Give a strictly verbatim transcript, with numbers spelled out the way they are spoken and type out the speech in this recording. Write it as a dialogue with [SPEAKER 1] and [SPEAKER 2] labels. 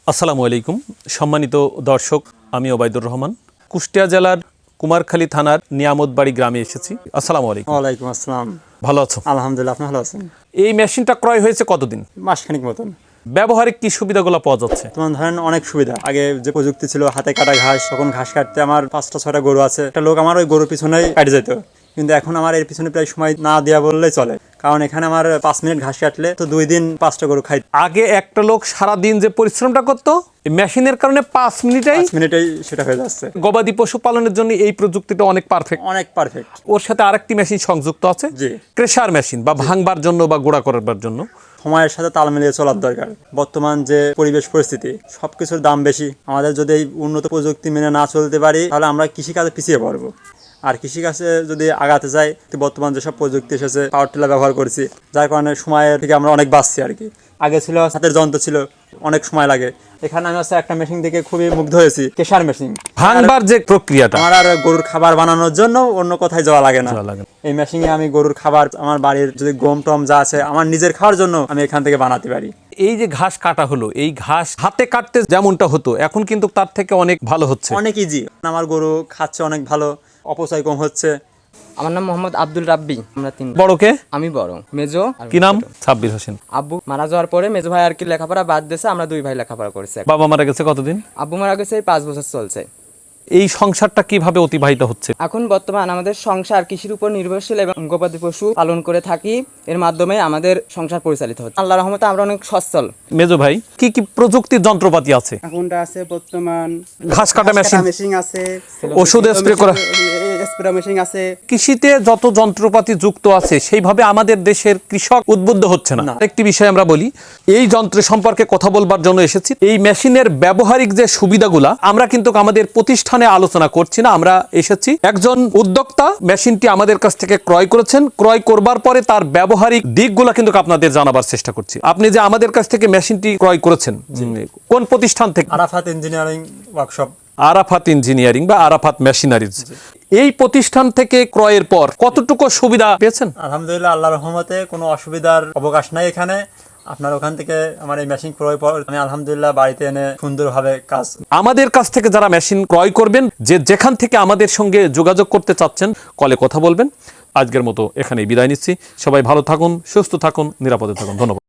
[SPEAKER 1] আসসালামু আলাইকুম সম্মানিত দর্শক, আমি ওবায়দুর রহমান কুষ্টিয়া জেলার কুমারখালী থানার নিয়ামতবাড়ি গ্রামে এসেছি। আসসালামু আলাইকুম।
[SPEAKER 2] ওয়ালাইকুম আসসালাম।
[SPEAKER 1] ভালো আছো?
[SPEAKER 2] আলহামদুলিল্লাহ, আপনি ভালো আছেন?
[SPEAKER 1] এই মেশিনটা ক্রয় হয়েছে কতদিন?
[SPEAKER 2] মাসখানিক মতন।
[SPEAKER 1] ব্যবহারিক কি সুবিধাগুলো পাওয়া যাচ্ছে?
[SPEAKER 2] তোমার ধরেন অনেক সুবিধা। আগে যে প্রযুক্তি ছিল হাতে কাটা ঘাস, তখন ঘাস কাটতে আমার পাঁচটা ছয়টা গরু আছে, একটা লোক আমার ওই গরুর পিছনেই কাটে যেত, কিন্তু এখন আমার এর পিছনে প্রায় সময় না দেওয়া বললেই চলে, কারণ এখানে আমার পাঁচ মিনিট ঘাস কাটলে তো দুই দিন পাঁচটা গরু খাই।
[SPEAKER 1] আগে একটা লোক সারা দিন যে পরিশ্রমটা করতো, মেশিনের কারণে পাঁচ মিনিটেই
[SPEAKER 2] পাঁচ মিনিটেই সেটা হয়ে যাচ্ছে।
[SPEAKER 1] গবাদি পশু পালনের জন্য এই প্রযুক্তিটা অনেক পারফেক্ট,
[SPEAKER 2] অনেক পারফেক্ট।
[SPEAKER 1] ওর সাথে আরেকটি মেশিন সংযুক্ত আছে,
[SPEAKER 2] জি,
[SPEAKER 1] ক্রেশার মেশিন, বা ভাঙবার জন্য বা গোড়া করবার জন্য।
[SPEAKER 2] সময়ের সাথে তাল মিলিয়ে চলার দরকার। বর্তমান যে পরিবেশ পরিস্থিতি, সবকিছুর দাম বেশি। আমাদের যদি এই উন্নত প্রযুক্তি মেনে না চলতে পারি, তাহলে আমরা কৃষিকাজে পিছিয়ে পড়বো। আর কৃষিকাজে যদি আগাতে চাই, বর্তমান যেসব প্রযুক্তি এসেছে, পাওয়ার টিলার ব্যবহার করছি, যার কারণে সময়ের থেকে আমরা অনেক বাঁচছি আর কি। আগে ছিল হাতের যন্ত্র, ছিল অনেক সময় লাগে। এখানে আমি হচ্ছে একটা মেশিন দেখে খুবই মুগ্ধ হয়েছি, কেশার মেশিন।
[SPEAKER 1] ভাঙবার যে প্রক্রিয়াটা,
[SPEAKER 2] আমার আর গরুর খাবার বানানোর জন্য অন্য কোথায় যাওয়া লাগে না। এই মেশিনে আমি গরুর খাবার, আমার বাড়ির যদি গম টম যা আছে, আমার নিজের খাওয়ার জন্য আমি এখান থেকে বানাতে পারি।
[SPEAKER 1] এই যে ঘাস কাটা হলো, এই ঘাস হাতে কাটতে যেমনটা হতো, এখন কিন্তু তার থেকে অনেক ভালো হচ্ছে,
[SPEAKER 2] অনেক ইজি। আমার গরু খাচ্ছে অনেক ভালো, অপচয় কম হচ্ছে।
[SPEAKER 3] আমার নাম মোহাম্মদ আব্দুল রাব্বি। আমরা তিন।
[SPEAKER 1] বড় কে?
[SPEAKER 3] আমি বড়। মেজো
[SPEAKER 1] কি নাম? সাব্বির হোসেন।
[SPEAKER 3] আব্বু মারা যাওয়ার পরে মেজো ভাই আর কি লেখাপড়া বাদ দিয়েছে, আমরা দুই ভাই লেখাপড়া করেছি।
[SPEAKER 1] বাবা মারা গেছে কতদিন?
[SPEAKER 3] আব্বু মারা গেছে এই পাঁচ বছর চলছে।
[SPEAKER 1] এই সংসারটা কিভাবে অতিবাহিত হচ্ছে?
[SPEAKER 3] এখন বর্তমান আমাদের সংসার কৃষির উপর নির্ভরশীল এবং গবাদি পশু পালন করে থাকি, এর মাধ্যমে আমাদের সংসার পরিচালিত হচ্ছে। আল্লাহর রহমতে আমরা অনেক সচ্ছল।
[SPEAKER 1] মেজো ভাই, কি কি প্রযুক্তির যন্ত্রপাতি আছে?
[SPEAKER 4] এখনটা আছে বর্তমান
[SPEAKER 1] ঘাস কাটা মেশিন,
[SPEAKER 4] মেশিন আছে,
[SPEAKER 1] ওষুধ স্প্রে করা,
[SPEAKER 4] স্প্রে মেশিন আছে।
[SPEAKER 1] কৃষিতে যত যন্ত্রপাতি যুক্ত আছে, সেইভাবে আমাদের দেশের কৃষক উদ্বুদ্ধ হচ্ছে না। একটি বিষয় আমরা বলি, এই যন্ত্র সম্পর্কে কথা বলবার জন্য এসেছি। এই মেশিনের ব্যবহারিক যে সুবিধাগুলা, আমরা কিন্তু আমাদের প্রতিষ্ঠানে আলোচনা করছি না, আমরা এসেছি একজন উদ্যোক্তা মেশিনটি আমাদের কাছ থেকে ক্রয় করেছেন। ক্রয় করবার পরে তার ব্যবহারিক দিকগুলা কিন্তু আপনাদের জানাবার চেষ্টা করছি। আপনি যে আমাদের কাছ থেকে মেশিনটি ক্রয় করেছেন, কোন প্রতিষ্ঠান থেকে?
[SPEAKER 2] Arafat engineering workshop.
[SPEAKER 1] Arafat engineering বা আরাফাত মেশিনারিজ। এই প্রতিষ্ঠান থেকে ক্রয়ের পর কতটুকু সুবিধা পেয়েছেন?
[SPEAKER 2] আলহামদুলিল্লাহ, আল্লাহর রহমতে কোনো অসুবিধার অবকাশ নাই এখানে। আপনার ওখান থেকে আমার এই মেশিন ক্রয় পর আমি আলহামদুলিল্লাহ বাড়িতে এনে সুন্দরভাবে কাজ।
[SPEAKER 1] আমাদের কাছ থেকে যারা মেশিন ক্রয় করবেন, যে যেখান থেকে আমাদের সঙ্গে যোগাযোগ করতে চাচ্ছেন, কলে কথা বলবেন। আজকের মতো এখানেই বিদায় নিচ্ছি। সবাই ভালো থাকুন, সুস্থ থাকুন, নিরাপদে থাকুন। ধন্যবাদ।